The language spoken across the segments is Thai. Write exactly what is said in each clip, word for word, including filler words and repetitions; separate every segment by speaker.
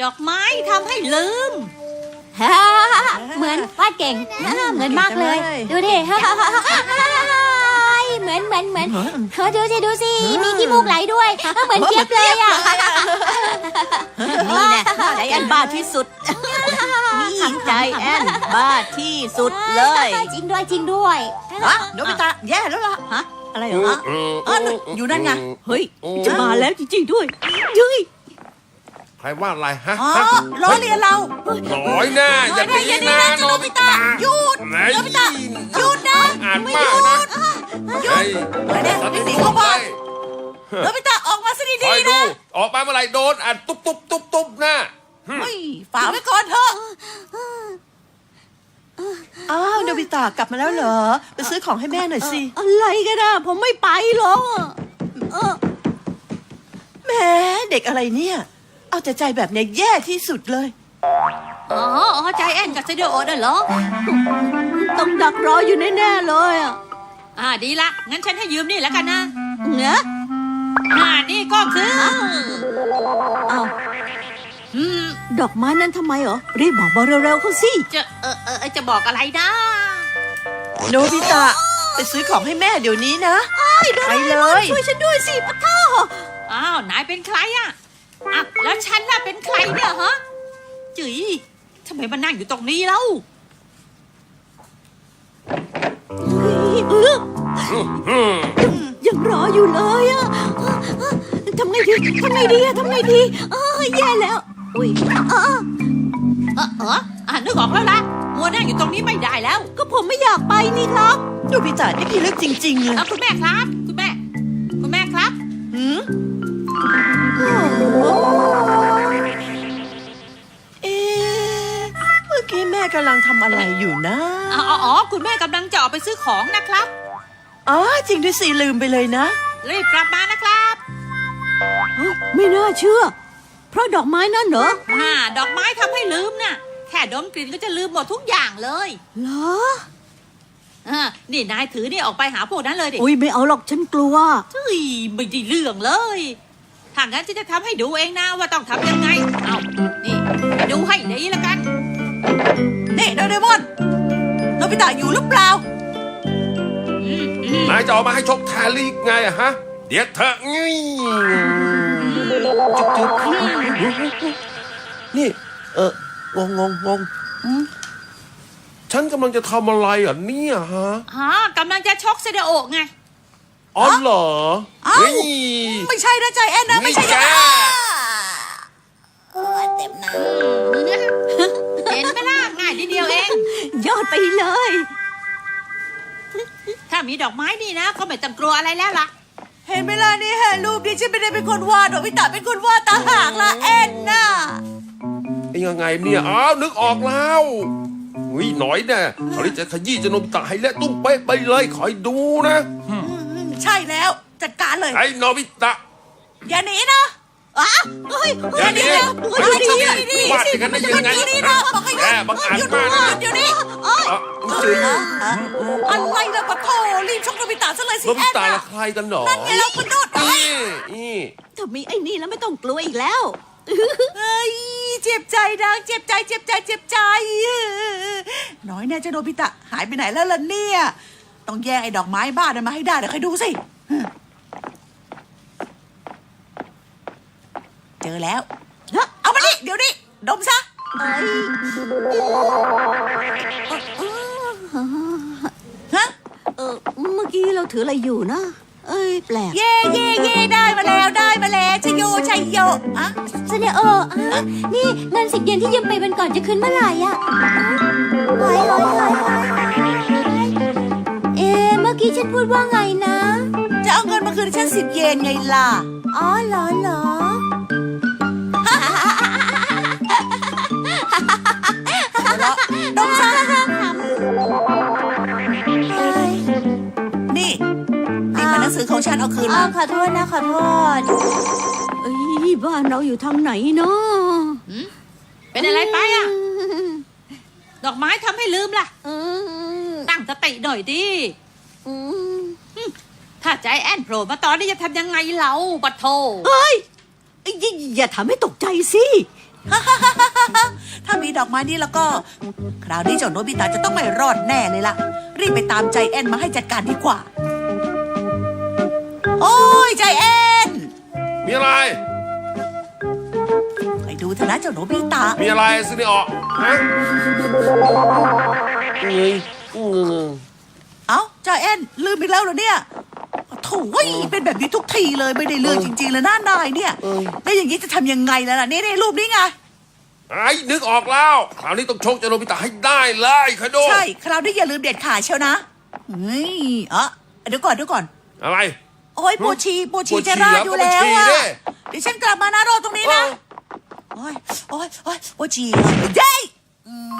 Speaker 1: ดอกไม้ทำให้ลืม
Speaker 2: ฮ่าเหมือนวาดเก่งเหมือนมากเลย ดูดิฮ่าฮ่าฮ่าฮ่าเหมือนเหมือนเหมือนเออดูสิดูสิมีขี้มูกไหลด้วยเหมือนเจี๊ยบเลยอ่ะ
Speaker 1: นี่แน่ใจแอนบ้าที่สุดนี่ใจแอนบ้าที่สุดเลย
Speaker 2: จริงด้วยจริงด้วย
Speaker 3: ฮะโนบิตะแย่แล้วล่ะ
Speaker 1: ฮะอะไรเหรอ
Speaker 3: เอออยู่นั่นไง
Speaker 1: เฮ้ยจะมาแล้วจริงๆด้วยยุ้ย
Speaker 4: ใครว่าอะไรฮะ
Speaker 3: อ๋อล้อเลียนเรา
Speaker 4: น้อยแน่อย่าตีนะโนบิตะ
Speaker 3: หยุด
Speaker 4: ไหน
Speaker 3: โนบิตะหยุดนะ
Speaker 4: อ่านมากนะเฮ้ย
Speaker 3: อะไรเนี่ยหนีเข้าบ้านโนบิตะออกมาซะ
Speaker 4: คอ
Speaker 3: ดี
Speaker 4: ย
Speaker 3: ๆ
Speaker 4: ดู
Speaker 3: นะ
Speaker 4: ออกมาเมื่อไหร่โดนอ่านตุ๊บตุ๊บตุ๊บตุ๊บนะ
Speaker 3: เฮ้ยฝากไว้ก่อนเถอะอ้าวโนบิตะกลับมาแล้วเหรอไปซื้อของให้แม่หน่อยสิ
Speaker 1: อะไรกันนะผมไม่ไปหรอกเออ
Speaker 3: แหมเด็กอะไรเนี่ยเอาแต่ใจแบบเนี้ยแย่ที่สุดเลย
Speaker 1: อ๋ออ๋อใจแอนกับเซเดโอน่ะเหรอต้องดักรออยู่แน่ๆเลยอ่ะอ่าดีละงั้นฉันให้ยืมนี่แล้วกันนะเนอะอ่านี่ก็คืออ้าวอืมดอกไม้นั้นทำไมเหรอรีบบอกมาเร็วๆเขาสิจะเออเออจะบอกอะไรนะ
Speaker 3: โนบิตะไปซื้อของให้แม่เดี๋ยวนี้นะไปเลย
Speaker 1: ช่วยฉันด้วยสิปะท้ออ้าวนายเป็นใครอ่ะอ่ะแล้วฉันล่ะเป็นใครเนี่ยฮะจุ๋ยทำไมมานั่งอยู่ตรงนี้แล้วยังรออยู่เลยอ่ะทำไงดีทำไงดีอะทำไงดีเออแย่แล้วอุ้ยเออเออเอออ่ะนึกออกแล้วล่ะมัวนั่งอยู่ตรงนี้ไม่ได้แล้ว ก็ผมไม่อยากไปนี่ครับ
Speaker 3: โนบิตะนี่พี่เลือกจริงๆเลย
Speaker 1: เอาคุณแม่ครับคุณแม่คุณแม่ครับ
Speaker 3: หืมเอ๊ะเมื่อกี้แม่กำลังทำอะไรอยู่นะ
Speaker 1: อ๋ออ๋อคุณแม่กำลังจะออกไปซื้อของนะครับ
Speaker 3: อ๋อจริงด้วยสิลืมไปเลยนะ
Speaker 1: รีบกลับมานะครับไม่น่าเชื่อ เพราะดอกไม้นั่นเหรออ่าดอกไม้ทำให้ลืมน่ะแค่ดมกลิ่นก็จะลืมหมดทุกอย่างเลยเหรออ่านี่นายถือนี่ออกไปหาพวกนั้นเลยดิ
Speaker 5: อุ้ยไม่เอาหรอกฉันกลัว
Speaker 1: เฮ้ยไม่ได้เรื่องเลยถ้างั้นฉันจะทำให้ดูเองนะว่าต้องทำยังไงเอานี่ดูให้ดีแล้วกัน
Speaker 3: นี่โดเรมอนโนบิตะอยู่หรือเปล่า
Speaker 1: อืมอืม
Speaker 4: นายจะออกมาให้ชกแทนลีกไงอะฮะเดี๋ยวเถอะงี้จุ๊บจุ๊บนี่เอองงงงงงฉันกำลังจะทำอะไรอ่ะเนี่ยฮะ
Speaker 1: อ๋อกำลังจะชกเซเดโอะไง
Speaker 4: อ๋อเหรอ
Speaker 3: อ้าว
Speaker 4: นี่
Speaker 3: ไม่ใช่นะใจแอนนะไม่ใช่
Speaker 4: นี่แก
Speaker 3: เออเต็มหน้า
Speaker 1: เห็นไหมล่ะง่ายนิดเดียวเอง
Speaker 5: ยอดไปเลย
Speaker 1: ถ้ามีดอกไม้นี่นะก็ไม่ต้องกลัวอะไรแล้วล่ะ
Speaker 3: เห็นไหมล่ะนี่ฮะรูปนี้ฉันไม่ได้เป็นคนวาดโนบิตะเป็นคนวาดต่างหากล่ะแอนน่ะ
Speaker 4: ไอ้ยังไงเนี่ยอ้าวนึกออกแล้วอุ้ยหน่อยแน่คราวนี้จะขยี้จะโนบิตะให้เละตุ้มเป๊ะไปเลยคอยดูนะ
Speaker 3: อืมใช่แล้วจัดการเลย
Speaker 4: ไอ้โนบิตะ
Speaker 3: อย่าหนีนะอ๋อเฮ้ย
Speaker 4: อย่าหนี
Speaker 3: เฮ้ย
Speaker 4: อย่าหนี
Speaker 3: เฮ้ยดี
Speaker 4: วาดอย่างนั้นได้ยังไง
Speaker 3: หนีนะบอกให้หยุ
Speaker 4: แก
Speaker 3: ด
Speaker 4: บังอาจ
Speaker 3: หยุด
Speaker 4: มากนะ
Speaker 3: เดี๋ยวนี้
Speaker 4: อ๋อจริง
Speaker 3: อะไรนะปะโถรีบชกโนบิตะซะเลยสิ
Speaker 4: โนบิ
Speaker 3: แอน
Speaker 4: ตะ
Speaker 3: น่ะ
Speaker 4: ละใครกันหรอ
Speaker 3: นั่นไงเราคุณโดด
Speaker 4: นี่นี่
Speaker 5: ถ้ามีไอ้นี่แล้วไม่ต้องกลัวอีกแล้ว
Speaker 3: เฮ้ยเจ็บใจนะเจ็บใจเจ็บใจเจ็บใจน้อยแน่เจ้าโนบิตะหายไปไหนแล้วล่ะเนี่ยต้องแย่งไอ้ดอกไม้บ้านนั้นมาให้ได้เดี๋ยวใครดูสิเจอแล้วเอามานี่เดี๋ยวนี้ดมซะ ฮะ
Speaker 5: เออเมื่อกี้เราถืออะไรอยู่นะ เอ้ยแปลก
Speaker 3: เย่เย่เย่ได้มาแล้วได้มาแล้วชัยโยชัยโยอะ
Speaker 2: เซเนโออ่ะนี่เงินสิบเยนที่ยืมไปวันก่อนจะคืนเมื่อไหร่อ่ะหายหายหายหายเอ๊ะเมื่อกี้ฉันพูดว่าไงนะ
Speaker 3: จะเอาเงินมาคืนให้ฉันสิบเยนไงล่ะ
Speaker 2: อ๋อเหรอเหรอ
Speaker 3: ดมซะ
Speaker 2: เฮ้ย
Speaker 3: นี่นี่มันหนังสือของฉันเอาคืน
Speaker 2: อ๋อ
Speaker 3: มา
Speaker 2: ขอโทษนะขอโทษ
Speaker 5: เอ้ยบ้านเราอยู่ทางไหนเนาะ
Speaker 1: เป็นอะไรไปอ่ะ ดอกไม้ทำให้ลืมล่ะ
Speaker 2: อืม
Speaker 1: ตั้งสติหน่อยดิ
Speaker 2: อืม
Speaker 1: ถ้าใจแอนโผล่มาตอนนี้จะทำยังไงเราปะโท
Speaker 5: เฮ้ยอย่าอย่าทำให้ตกใจสิ
Speaker 3: ถ้ามีดอกไม้นี่แล้วก็ คราวนี้เจ้าโนบิตะจะต้องไม่รอดแน่เลยล่ะ รีบไปตามใจแอนมาให้จัดการดีกว่า โอ้ยใจแอน
Speaker 4: มีอะไร
Speaker 3: ไปดูเถอะนะเจ้าโนบิตะ
Speaker 4: มีอะไรซินิออกฮะเงยเงย
Speaker 3: เอ้าใจแอนลืมอีกแล้วเหรอเนี่ยโถ่เว้ยเป็นแบบนี้ทุกทีเลยไม่ได้เรื่องจริงๆเลยหน้านายเนี่ยแล้วอย่างนี้จะทำยังไงแล้วล่ะนี่ในรูปนี้ไง
Speaker 4: ไอ้นึกออกแล้ว คราวนี้ต้องชกเจาโนบิตะให้ได้เลยคอยดู
Speaker 3: ใช่คราวนี้อย่าลืมเด็ดขาดเชียวนะเฮ้ยเอะเดี๋ยวก่อนเดี๋ยวก่อน
Speaker 4: อะไร
Speaker 3: โอ้ยปวดฉี่ปวดฉี่
Speaker 4: ปวดฉี่
Speaker 3: จะราดอยู่แล้ว
Speaker 4: เหรอก็
Speaker 3: อะ
Speaker 4: ปวดฉี่ดิ
Speaker 3: เดี๋ยวฉันกลับมานะรอตรงนี้นะ
Speaker 4: เออ
Speaker 3: โอ้ยโอ้ยโอ้ยปวดฉี่เย้ยอืม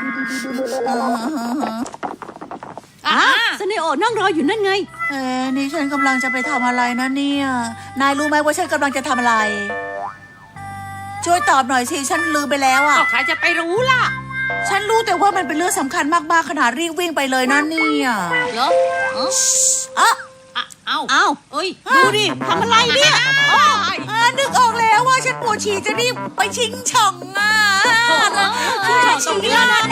Speaker 1: อ่า
Speaker 5: สเนโอนั่งรออยู่นั่นไง
Speaker 3: เอ้นี่ฉันกำลังจะไปทำอะไรนะเนี่ยนายรู้ไหมว่าฉันกำลังจะทำอะไร ช่วยตอบหน่อยสิฉันลืมไปแล้วอะ
Speaker 1: ก็ใครจะไปรู้ล่ะ
Speaker 3: ฉันรู้แต่ว่ามันเป็นเรื่องสำคัญมากๆขนาดรีบวิ่งไปเลยนะเนี่ย
Speaker 1: เหรอเอ้า
Speaker 3: อ่ะ
Speaker 1: อ่ะเอ้า
Speaker 5: เอ้า
Speaker 1: เอ้ย
Speaker 5: ดูดิทำอะไรเนี่ย
Speaker 1: โอ้ย
Speaker 3: อ่านึกออกแล้วว่าฉันปวดฉี่จะรีบไปชิงช่องอ่ะ
Speaker 1: โอ้โห
Speaker 3: ชิงช่อง
Speaker 1: ตรงนี้
Speaker 3: แล้ว
Speaker 1: นะ
Speaker 3: น